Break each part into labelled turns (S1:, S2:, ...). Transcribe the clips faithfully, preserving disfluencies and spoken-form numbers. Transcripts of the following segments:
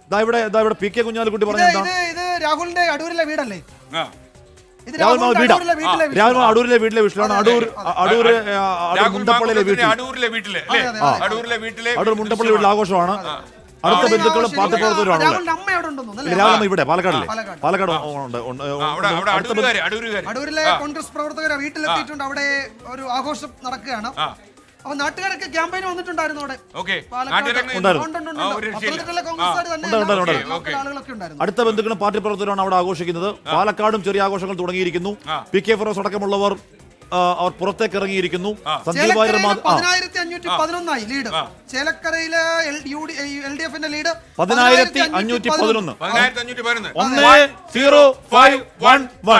S1: ഇവിടെ ഇവിടെ P K Kunhalikutty പറഞ്ഞത്
S2: ഇത് രാഹുലിന്റെ അടൂരിലെ വീടല്ലേ?
S1: രാഹുൽ വീടാ രാഹുൽ അടൂരിലെ വീട്ടിലെ വീട്ടിലാണ്. അടൂർ അടൂർ മുണ്ടപ്പള്ളിയിലെ വീട്ടിൽ അടൂർ മുണ്ടപ്പള്ളി വീട്ടിലെ ആഘോഷമാണ്. അടുത്ത ബന്ധുക്കളും പാർട്ടി പ്രവർത്തകരുമാണ്. രാഹുൽ ഇവിടെ പാലക്കാടിലെ പാലക്കാട്
S2: അടൂരിലെ കോൺഗ്രസ് പ്രവർത്തകരെ വീട്ടിലെത്തിയിട്ടുണ്ട്. അവിടെ ഒരു ആഘോഷം നടക്കുകയാണ്. അപ്പൊ നാട്ടുകാരൊക്കെ ക്യാമ്പയിന് വന്നിട്ടുണ്ടായിരുന്നു അവിടെ.
S1: അടുത്ത ബന്ധുക്കളും പാർട്ടി പ്രവർത്തകരാണ് അവിടെ ആഘോഷിക്കുന്നത്. പാലക്കാടും ചെറിയ ആഘോഷങ്ങൾ തുടങ്ങിയിരിക്കുന്നു. പി കെ ഫിറോസ് അടക്കമുള്ളവർ അവർ പുറത്തേക്ക് ഇറങ്ങിയിരിക്കുന്നു.
S2: സന്ദീപ് വാര്യർ പതിനായിരത്തി അഞ്ഞൂറ്റി പതിനൊന്നായി ലീഡ്. ചേലക്കരയിലെ എൽ ഡി എഫിന്റെ ലീഡ്
S1: പതിനായിരത്തി അഞ്ഞൂറ്റി പതിനൊന്ന് ഒന്ന് സീറോ ഫൈവ് വൺ വൺ.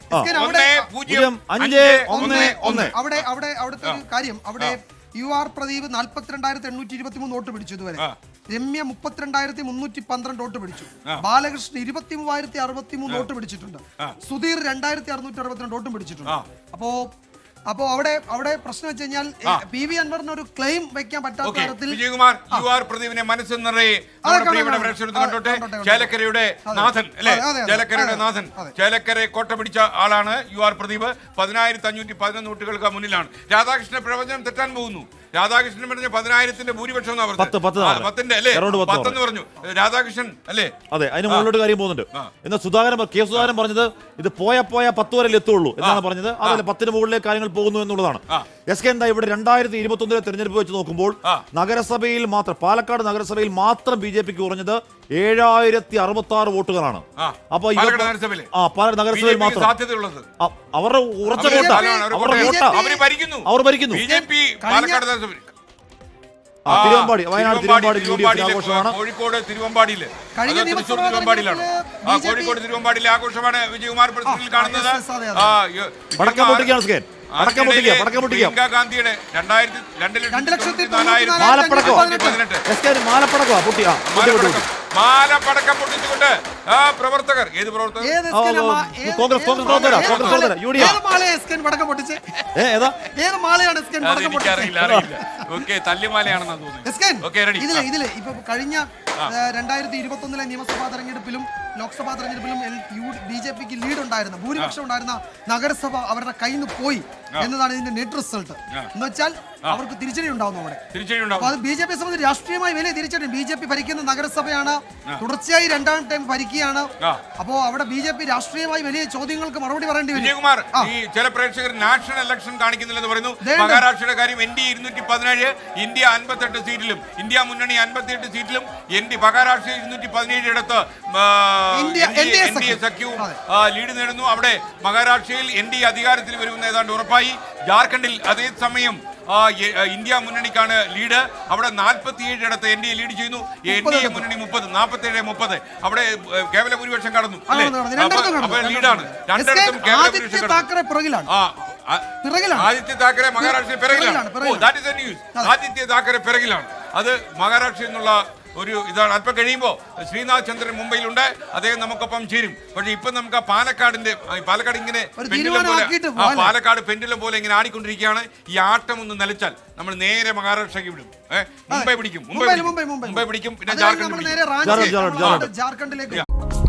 S2: അവിടെ അവിടെ അവിടുത്തെ ഒരു കാര്യം, അവിടെ യു ആർ പ്രദീപ് നാല്പത്തിരണ്ടായിരത്തി എണ്ണൂറ്റി ഇരുപത്തി മൂന്ന് വോട്ട് പിടിച്ചു ഇതുവരെ. രമ്യ മുപ്പത്തിരണ്ടായിരത്തി മുന്നൂറ്റി പന്ത്രണ്ട് വോട്ട് പിടിച്ചു. ബാലകൃഷ്ണൻ ഇരുപത്തി മൂവായിരത്തി അറുപത്തി മൂന്ന് വോട്ട് പിടിച്ചിട്ടുണ്ട്. സുധീർ രണ്ടായിരത്തി അറുന്നൂറ്റി അറുപത്തിരണ്ട് വോട്ടും പിടിച്ചിട്ടുണ്ട്. അപ്പോ അപ്പോ അവിടെ അവിടെ പ്രശ്നം വെച്ച് കഴിഞ്ഞാൽ പി വി അൻവറിന് ഒരു ക്ലെയിം വെക്കാൻ പറ്റാത്ത തരത്തിൽ
S3: വിജയകുമാർ യു ആർ പ്രദീപിനെ മനസ്സിൽ നിറയെ ചേലക്കരയുടെ നാഥൻ അല്ലെ ചേലക്കരയുടെ നാഥൻ ചേലക്കര കോട്ട പിടിച്ച ആളാണ് യു ആർ പ്രദീപ്. പതിനായിരത്തി അഞ്ഞൂറ്റി പതിനൊന്ന് വോട്ടുകൾക്ക് മുന്നിലാണ്. രാധാകൃഷ്ണൻ പ്രവചനം തെറ്റാൻ പോകുന്നു. രാധാകൃഷ്ണൻ പറഞ്ഞ പതിനായിരത്തിന്റെ ഭൂരിപക്ഷം പത്തിന്റെ അല്ലേ പത്തെന്ന് പറഞ്ഞു രാധാകൃഷ്ണൻ അല്ലേ?
S1: അതെ, അതിന് മുകളിലോട്ട് കാര്യം പോകുന്നുണ്ട്. എന്നാൽ സുധാകരൻ കെ സുധാകരൻ പറഞ്ഞത് ഇത് പോയ പോയ പത്ത് വരെ എത്തുള്ളൂ എന്നാണ് പറഞ്ഞത്. അതല്ല, പത്തിന് മുകളിലെ കാര്യങ്ങൾ പോകുന്നു എന്നുള്ളതാണ്. എസ് കെ എന്താ ഇവിടെ രണ്ടായിരത്തി ഇരുപത്തി ഒന്നിലെ തെരഞ്ഞെടുപ്പ് വെച്ച് നോക്കുമ്പോൾ നഗരസഭയിൽ മാത്രം പാലക്കാട് നഗരസഭയിൽ മാത്രം ബി ജെ പിക്ക് കുറഞ്ഞത് ഏഴായിരത്തി അറുപത്തി ആറ് വോട്ടുകളാണ്. അപ്പൊ ആ പാലക്കാട് നഗരസഭയിൽ മാത്രം അവരുടെ ഉറച്ച വോട്ടാ അവരുടെ വോട്ടാ അവർ ഭരിക്കുന്നു. Thiruvambady Wayanad Thiruvambady U D F ആഘോഷമാണ്.
S3: കോഴിക്കോട് തിരുവമ്പാടിയിൽ തൃശ്ശൂർ തിരുവമ്പാടിയിലാണ്. കോഴിക്കോട് തിരുവമ്പാടിയിലെ ആഘോഷമാണ് വിജയകുമാർ പ്രസിഡന്റിൽ കാണുന്നത്.
S1: പടക്കം പൊട്ടിക്കുകയാണ് സ്കേൻ പടക്കം പൊട്ടിക്കുക പടക്കം പൊട്ടിക്കുക
S3: ഗാന്ധിയുടെ രണ്ടായിരത്തി രണ്ട് ലക്ഷത്തി
S1: മാലപ്പടക്കോ മാലപ്പടക്കോ പൊട്ടിയ
S3: മാലപ്പടക്കം പൊട്ടിച്ചുകൊണ്ട് ആ പ്രവർത്തകർ ഏത് പ്രവർത്തകർ
S1: കോൺഗ്രസ് കോൺഗ്രസ് പ്രവർത്തകർ കോൺഗ്രസ് പ്രവർത്തകർ യു ഡി എഫ്
S2: ഇതിലെ ഇതിലെ ഇപ്പൊ കഴിഞ്ഞ രണ്ടായിരത്തി ഇരുപത്തി ഒന്നിലെ നിയമസഭാ തെരഞ്ഞെടുപ്പിലും ലോക്സഭാ തെരഞ്ഞെടുപ്പിലും ബി ജെ പിക്ക് ലീഡ് ഉണ്ടായിരുന്ന ഭൂരിപക്ഷം ഉണ്ടായിരുന്ന നഗരസഭ അവരുടെ കയ്യിൽ നിന്ന് പോയി എന്നതാണ് ഇതിന്റെ നെറ്റ് റിസൾട്ട്. എന്ന് വെച്ചാൽ അവർക്ക് തിരിച്ചടി ഉണ്ടാവുന്നു അവിടെ. അത് ബി ജെ പി സംബന്ധിച്ച് രാഷ്ട്രീയമായി വലിയ തിരിച്ചടി. ബി ജെ പി ഭരിക്കുന്ന നഗരസഭയാണ്, തുടർച്ചയായി രണ്ടാം ടൈം ഭരിക്കുകയാണ്. അപ്പോ അവിടെ ബി ജെ പി രാഷ്ട്രീയമായി വലിയ ചോദ്യങ്ങൾക്ക് മറുപടി പറയേണ്ടി വരും.
S3: വിജയകുമാർ, ഈ ചില പ്രേക്ഷകർ നാഷണൽ ഇലക്ഷൻ കാണിക്കുന്നില്ലെന്ന് പറയുന്നു. മഹാരാഷ്ട്രയുടെ കാര്യം എൻ ഡി ഇരുന്നൂറ്റി പതിനേഴ് ഇന്ത്യ അൻപത്തെട്ട് സീറ്റിലും ഇന്ത്യ മുന്നണി അൻപത്തിയെട്ട് സീറ്റിലും എൻ ഡി മഹാരാഷ്ട്ര ഇരുന്നൂറ്റി പതിനേഴ് ഇടത്ത് എൻ ഡി എ സഖ്യവും ലീഡ് നേടുന്നു. അവിടെ മഹാരാഷ്ട്രയിൽ എൻ ഡി അധികാരത്തിൽ വരുമെന്ന് ഏതാണ്ട് ഉറപ്പായി. ജാർഖണ്ഡിൽ അതേസമയം ഇന്ത്യ മുന്നണിക്കാണ് ലീഡ്. അവിടെ നാൽപ്പത്തിയേഴ് ഇടത്ത് എൻ ഡി എ ലീഡ് ചെയ്യുന്നു. എൻ ഡി എ മുന്നണി മുപ്പത് നാൽപ്പത്തേഴ് മുപ്പത് അവിടെ കേവല ഭൂരിപക്ഷം കടന്നു. ലീഡാണ് രണ്ടിടത്തും കേവല ഭൂരിപക്ഷം. ആദിത്യ താക്കറെ മഹാരാഷ്ട്രയിൽ പിറകിലാണ്. ആദിത്യ താക്കറെ പിറകിലാണ്. അത് മഹാരാഷ്ട്രയിൽ നിന്നുള്ള ഒരു ഇതാണ്. അല്പം കഴിയുമ്പോൾ ശ്രീനാഥ് ചന്ദ്രൻ മുംബൈയിലുണ്ട്. അദ്ദേഹം നമുക്കൊപ്പം ചേരും. പക്ഷെ ഇപ്പൊ നമുക്ക് ആ പാലക്കാടിന്റെ പാലക്കാട് ഇങ്ങനെ പെൻഡുലം പോലെ ആ പാലക്കാട് പെൻഡുലം പോലെ ഇങ്ങനെ ആടിക്കൊണ്ടിരിക്കുകയാണ്. ഈ ആട്ടം ഒന്ന് നിലച്ചാൽ നമ്മൾ നേരെ മഹാരാഷ്ട്രയ്ക്ക് വിടും. മുംബൈ പിടിക്കും മുംബൈ മുംബൈ പിടിക്കും പിന്നെ ജാർഖണ്ഡ്
S2: ജാർഖണ്ഡിലേക്ക്